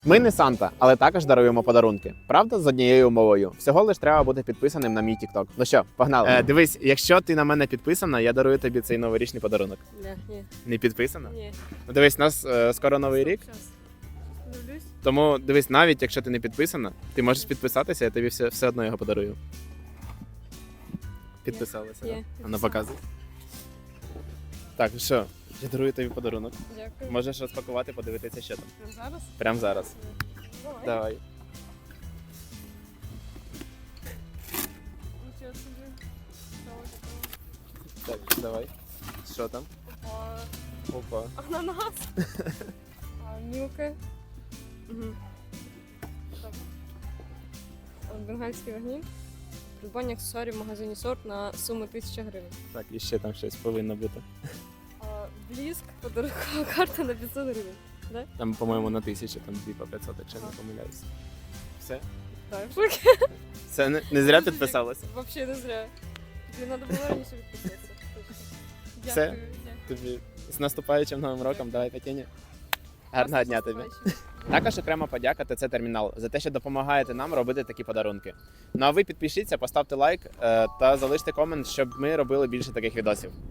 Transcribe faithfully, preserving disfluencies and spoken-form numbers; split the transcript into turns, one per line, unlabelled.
Ми не Санта, але також даруємо подарунки. Правда, з однією умовою. Всього лиш треба бути підписаним на мій TikTok. Ну що, погнали. Е, дивись, якщо ти на мене підписана, я дарую тобі цей новорічний подарунок.
Ні, ні,
Не підписана?
ні.
Ну дивись, у нас е, скоро новий рік.
Щас. Дивлюсь.
Тому дивись, навіть якщо ти не підписана, ти можеш підписатися, я тобі все, все одно його подарую. Підписалася?
Ні,
да?
ні,
А ну
підписалася.
показуй. Так, ну що, я дарую тобі подарунок.
Дякую.
Можеш розпакувати, подивитися, що там.
Прямо зараз?
Прямо зараз.
Давай.
Давай.
Нічого собі. Що таке?
Так, давай. Що там?
Опа.
Опа.
Ананас. А, мілки. Угу. Так. А, Бенгальський вогні. Придбання аксесуарів в магазині Сорт на суму тисяча гривень.
Так, і ще там щось повинно бути.
А, Бліск, подарункова карта на п'ятсот гривень.
Там, по-моєму, на тисячу, там дві по п'ятсот, якщо не помиляюсь. Все?
Так, в шокі.
Все, не, не зря підписалася.
Вообще не зря. Тобі треба було раніше підписатися. Точно.
Все?
Дякую. дякую.
Тобі з наступаючим новим роком, давай Тетяні. Гарного дня тобі.
Наступаючим.
Також окрема подяка ТЦ Термінал за те, що допомагаєте нам робити такі подарунки. Ну а ви підпишіться, поставте лайк е, та залиште комент, щоб ми робили більше таких відосів.